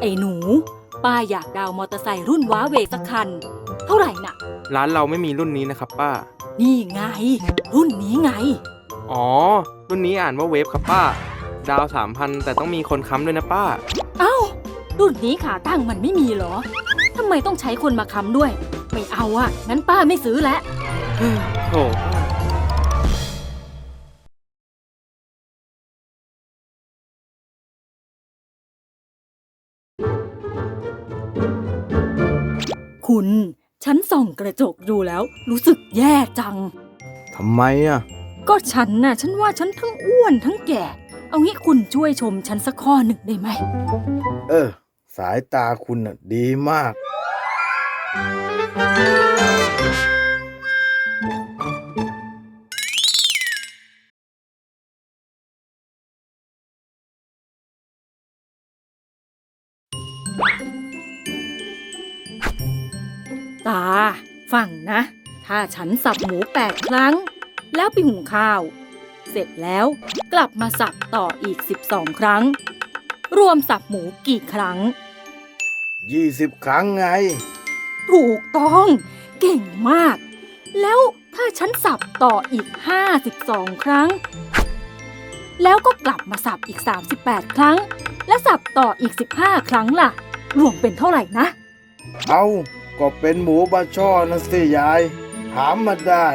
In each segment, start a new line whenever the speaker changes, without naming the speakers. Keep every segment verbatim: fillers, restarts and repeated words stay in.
ไอ้หนูป้าอยากดาวมอเตอร์ไซค์รุ่นว้าเวสักคันเท่าไหร่น่ะ
ร้านเราไม่มีรุ่นนี้นะครับป้า
นี่ไงรุ่นนี้ไง
อ๋อรุ่นนี้อ่านว่าเวฟครับป้าดาวสามพันแต่ต้องมีคนค้ำด้วยนะป้า
เอ้ารุ่นนี้ขาตั้งมันไม่มีเหรอทำไมต้องใช้คนมาค้ำด้วยไม่เอาอ่ะงั้นป้าไม่ซื้อแล้ว
โถ่
คุณฉันส่องกระจกดูแล้วรู้สึกแย่จัง
ทำไมอ่ะ
ก็ฉันน่ะฉันว่าฉันทั้งอ้วนทั้งแก่เอางี้คุณช่วยชมฉันสักข้อหนึ่งได้ไหม
เออสายตาคุณน่ะดีมาก
ตาฟังนะถ้าฉันสับหมูแปดครั้งแล้วไปหุงข้าวเสร็จแล้วกลับมาสับต่ออีกสิบสองครั้งรวมสับหมูกี่ครั้ง
ยี่สิบครั้งไง
ถูกต้องเก่งมากแล้วถ้าฉันสับต่ออีกห้าสิบสองครั้งแล้วก็กลับมาสับอีกสามสิบแปดครั้งและสับต่ออีกสิบห้าครั้งล่ะรวมเป็นเท่าไหร่นะ
เอาก็เป็นหมูบาช่อนะสิยายถามมาได้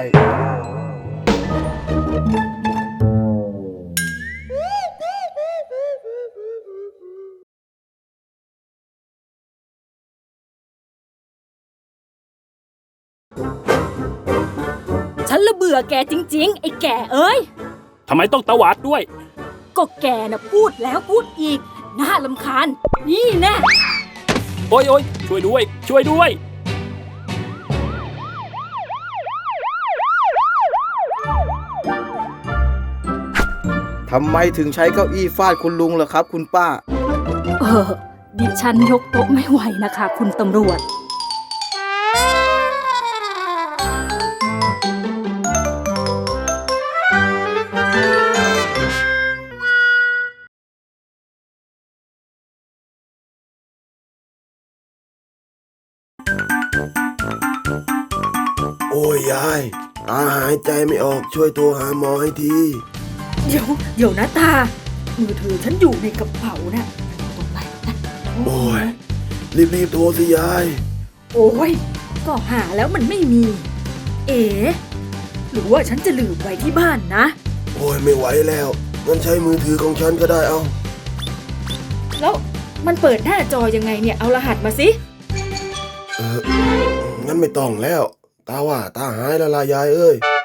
ฉันละเบื่อแกจริงๆไอ้แก่เอ้ย
ทำไมต้องตวาดด้วย
ก็แกน่ะพูดแล้วพูดอีกน่ารำคาญนี่แน่
โอ๊ยโอ๊ยช่วยด้วยช่วยด้วย
ทำไมถึงใช้เก้าอี้ฟาดคุณลุงล่ะครับคุณป้า
เออดิฉันยกโต๊ะไม่ไหวนะคะคุณตำรวจ
โอ้ยยายตาหายใจไม่ออกช่วยโทรหาหมอให้ที
เดี๋ยวเดี๋ยวนะตามือถือฉันอยู่ในกระเป๋านะตรงไหนนะ
โอ้ยรีบๆโทรสิยาย
โอ้ยก็หาแล้วมันไม่มีเอ๋หรือว่าฉันจะลืมไว้ที่บ้านนะ
โอ้ยไม่ไหวแล้วงั้นใช้มือถือของฉันก็ได้เอา
แล้วมันเปิดหน้าจอยังไงเนี่ยเอารหัสมาสิ
เอองั้นไม่ต้องแล้วตาว่าตาหายแล้วล่ะยายเอ้ย